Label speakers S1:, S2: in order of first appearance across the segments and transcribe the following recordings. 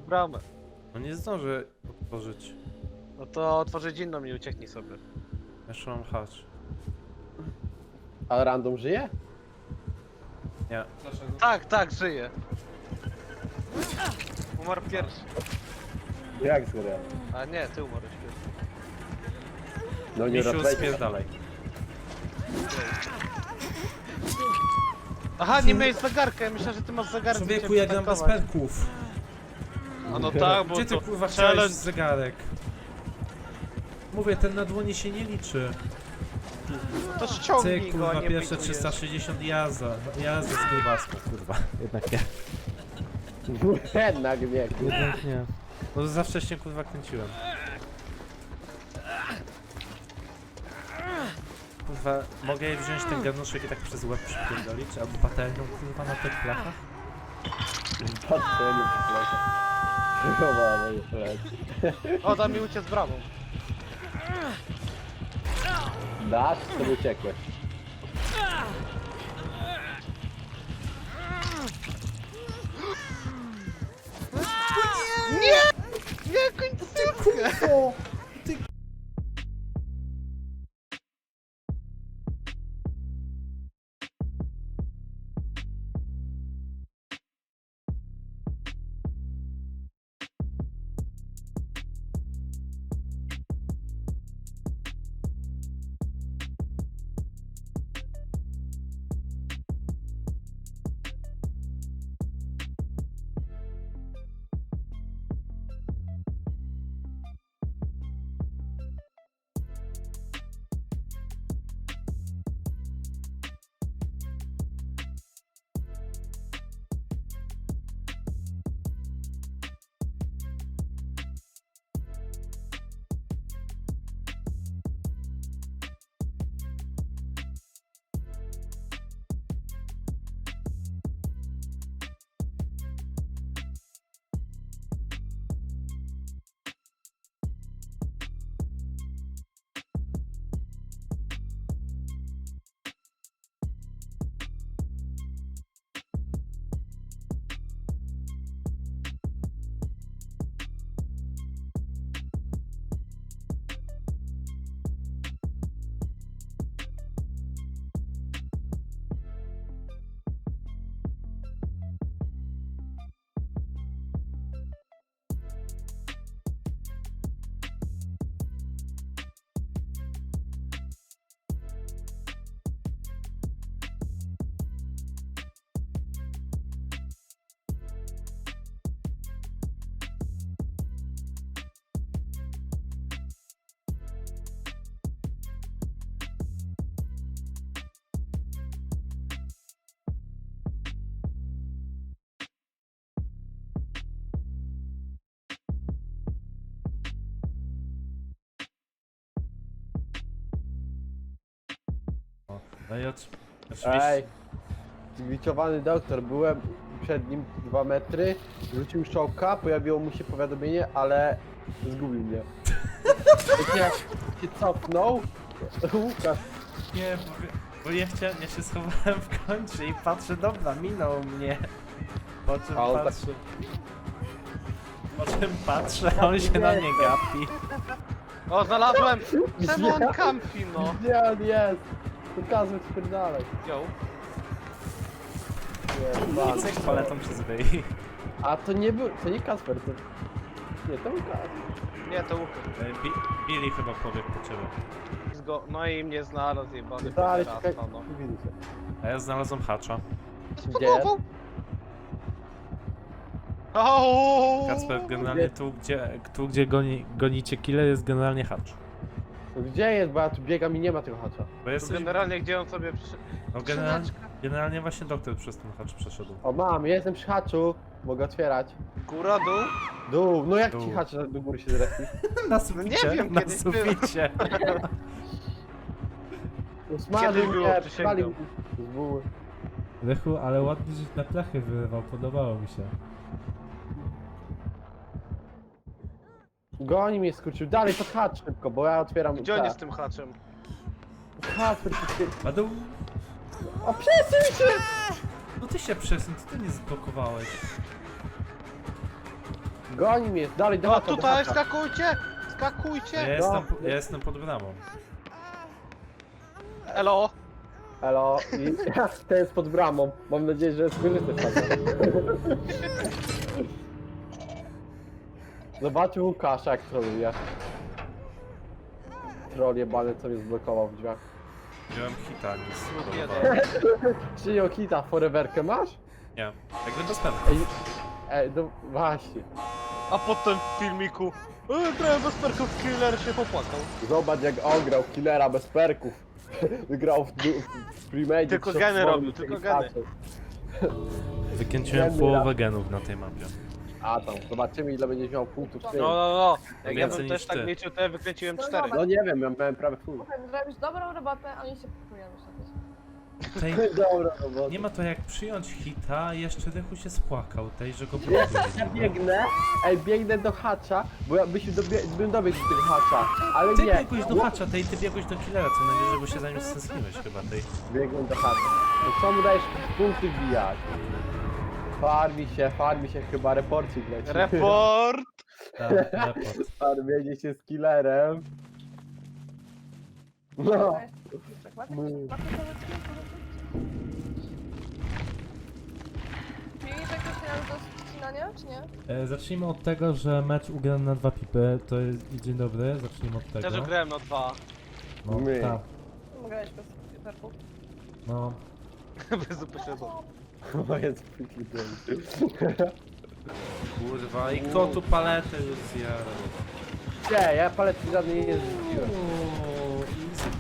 S1: bramę.
S2: No nie zdążę otworzyć.
S1: No to otworzyć inną i ucieknij sobie.
S2: Jeszcze mam hacz.
S3: A random żyje?
S2: Nie.
S4: Dlaczego?
S1: Tak, żyje. Umarł pierwszy.
S3: Jak zgodę?
S1: A nie, ty umarłeś pierwszy.
S3: No nie
S2: Misiu,
S3: rozwejdzie.
S2: spierdalaj.
S1: Aha, nie miałeś zegarka, ja myślałem, że ty masz zegarek.
S2: Człowieku, ja gram bez perków.
S1: A no tak, bo
S2: Gdzie ty
S1: to
S2: kurwa chciałeś
S1: challenge.
S2: zegarek? Mówię, ten na dłoni się nie liczy.
S1: To ściągnij
S2: Cyk,
S1: go, a
S2: kurwa,
S1: nie
S2: pierwsze
S1: pikujesz.
S2: 360 jazda. Jazda z grubaską, kurwa. Jednak nie.
S3: Jednak nie.
S2: Jednak nie. No za wcześnie kurwa kręciłem. Kurwa, mogę wziąć ten garnuszek i tak przez łeb przypierdolić? Albo patelnią kurwa na tych blachach?
S3: Patrzę, nie przypomnę. Chyba moje pleci.
S1: O, da mi uciec bramą.
S3: Dasz, to uciekłeś.
S1: Nie, końcówkę!
S2: No i oczywiście...
S3: Ej, zgliczowany doktor, byłem przed nim 2 metry, rzucił szołka, pojawiło mu się powiadomienie, ale zgubił mnie. Jak się cofnął, Łukasz,
S2: Nie, bo ja chciałem, ja się schowałem w kącie i patrzę, dobra, minął mnie. Po czym
S3: A on tak-
S2: patrzę... Po czym patrzę, a on się na mnie gapi.
S1: O, znalazłem! Czemu
S3: Gdzie?
S1: on kampi, no?
S3: gdzie on jest? Pokazuj spierdalaj.
S1: Yo.
S3: Nie,
S2: I cyk paletą przez wyj.
S3: A to nie był, to nie Kasper, to... Nie, to Łukasz.
S1: Nie, to Łukasz.
S2: Billy chyba powie po ciebie.
S1: No i mnie znalazł, jebany
S3: Ale
S1: raz,
S3: czekaj,
S1: no.
S3: widzę się.
S2: A ja znalazłem hacza.
S3: Gdzie?
S1: Ooo!
S2: Kacper, generalnie tu gdzie gonicie killer jest generalnie hacz.
S3: Gdzie jest, bo ja tu biegam i nie ma tego hacza.
S2: Bo jesteś...
S1: Generalnie gdzie on sobie
S2: No generalnie właśnie doktor przez ten hacz przeszedł.
S3: O mam, jestem przy haczu, mogę otwierać.
S1: Góra, dół?
S3: Dół, no jak
S2: Dół.
S3: ci hacz do góry się zrespił?
S2: Na suficie,
S1: nie wiem,
S2: na
S1: kiedyś
S2: suficie.
S3: Usmażył
S1: było,
S3: mnie,
S1: przysięgam.
S3: spalił z buły.
S5: Lechu, ale ładnie, że na plachy wyrywał, podobało mi się.
S3: Goni mnie, skurczył. Dalej, to hacz szybko, bo ja otwieram...
S1: Gdzie on jest z tym haczem?
S3: Hacz,
S2: A dół...
S3: o przesuń się!
S2: No ty się przesuń, ty nie zblokowałeś.
S3: Goni mnie, dalej, do
S1: No
S3: haka, do
S1: tutaj,
S3: haka.
S1: skakujcie! Skakujcie!
S2: Ja jestem pod bramą.
S1: Elo!
S3: Elo, i ten jest pod bramą. Mam nadzieję, że skorzystasz z tego. Zobaczył Łukasza, jak troluje. Troll jebany, co mnie zblokował w drzwiach.
S2: Wziąłem hita, nic
S1: Lud
S2: nie
S1: jeden.
S3: Przyjął hita, foreverkę masz?
S2: Nie, jakby bez pewno.
S3: Ej, no właśnie.
S1: A potem w filmiku grałem bez perków, killer się popłakał.
S3: Zobacz jak on grał killera bez perków. Wygrał w premade.
S1: Tylko geny robił, tylko geny.
S2: Wykręciłem
S3: Geny
S2: połowę genów na tej mapie.
S3: A tam, zobaczymy ile będziesz miał punktów z tym.
S1: No. Jak ja
S2: Więcej
S1: bym
S2: niż
S1: też tak
S2: ty.
S1: liczył, to ja wykręciłem
S4: No
S1: 4.
S4: dobra.
S3: No nie wiem, ja miałem prawie full.
S4: Słuchaj, zrobisz dobrą robotę, a oni się kupują już na to.
S2: Tej,
S3: Dobra, no
S2: nie ma to jak przyjąć hita, jeszcze Rychu się spłakał tej, że go
S3: Wiesz, ja
S2: blokuje.
S3: biegnę do hacza, bo ja bym dobiegł do tego hacza, ale
S2: Ty
S3: nie.
S2: biegłeś do hacza, tej, ty biegłeś do killera, co najwyżej, bo się za nim stęskniłeś chyba tej.
S3: Biegnę do hacza. No co mu dajesz punkty wbijać? Farmi się, chyba reporcik leci.
S1: Report!
S2: Tak, report.
S3: Farmienie się z killerem. No.
S4: Mieli jakieś finał do ścinania, czy nie?
S5: Zacznijmy od tego, że mecz ugrany na 2 pipy, to jest dzień dobry, zacznijmy od tego.
S1: Też grałem na 2.
S5: No,
S3: My.
S5: tak,
S4: Mogę grać bez perków.
S5: no.
S1: Bez upośledzenia.
S3: To jest freaky day.
S2: Kurwa, i kto tu paletę już zjadł?
S3: Nie, ja paletki żadnej nie zrzuciłem.
S2: Ooo, easy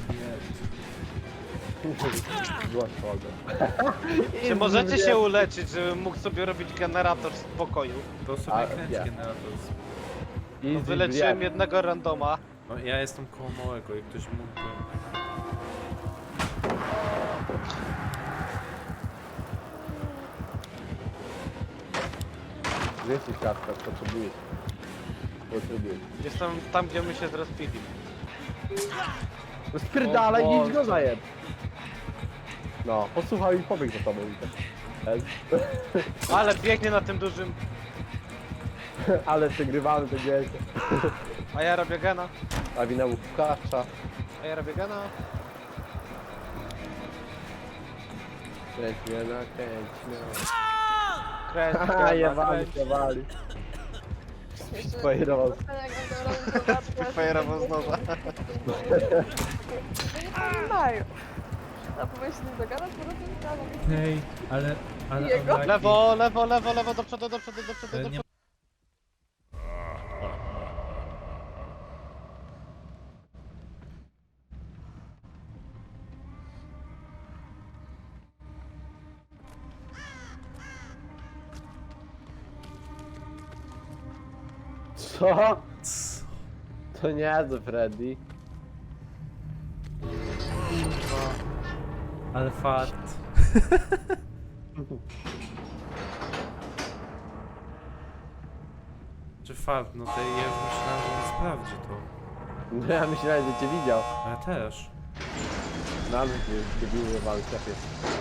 S3: Była szkoda.
S1: Czy możecie się uleczyć, żebym mógł sobie robić generator w spokoju?
S2: to sobie
S3: A,
S2: kręć
S3: nie.
S2: generator.
S1: No, wyleczyłem jednego randoma.
S2: No, ja jestem koło małego i ktoś mógłby...
S3: Jesteś Kacper, potrzebujesz.
S1: Jestem tam, gdzie my się zrespili.
S3: No spierdalaj,
S1: O
S3: idź go zajeb. No, posłuchaj i pobiegł za tobą i tak.
S1: Ale biegnie na tym dużym.
S3: Ale przegrywamy to wiecie.
S1: A ja robię gena.
S3: A wina Łukasza.
S1: A ja robię gena.
S3: Kręć mnie na kręć mnie.
S1: Kręć,
S3: Haha,
S1: gena,
S3: jebali,
S1: kręć.
S3: jebali.
S4: Jeszcze
S3: Fajerował.
S4: jak będą robić zobaczkę.
S1: Fajerował znowu.
S4: No nie mają. A powinien się nie dogadać, bo robię prawo.
S5: Okej, ale
S4: Jego?
S5: unlucky.
S1: Lewo, do przodu, do przodu, do przodu, do
S5: Nie-
S1: przodu.
S3: Co? To nie jest Freddy.
S2: Ale fart. Czy fart, no to ja już myślałem, że on sprawdzi to.
S3: No ja myślałem, że cię widział.
S2: A ja też.
S3: Na mnie debilu jebany, szefie.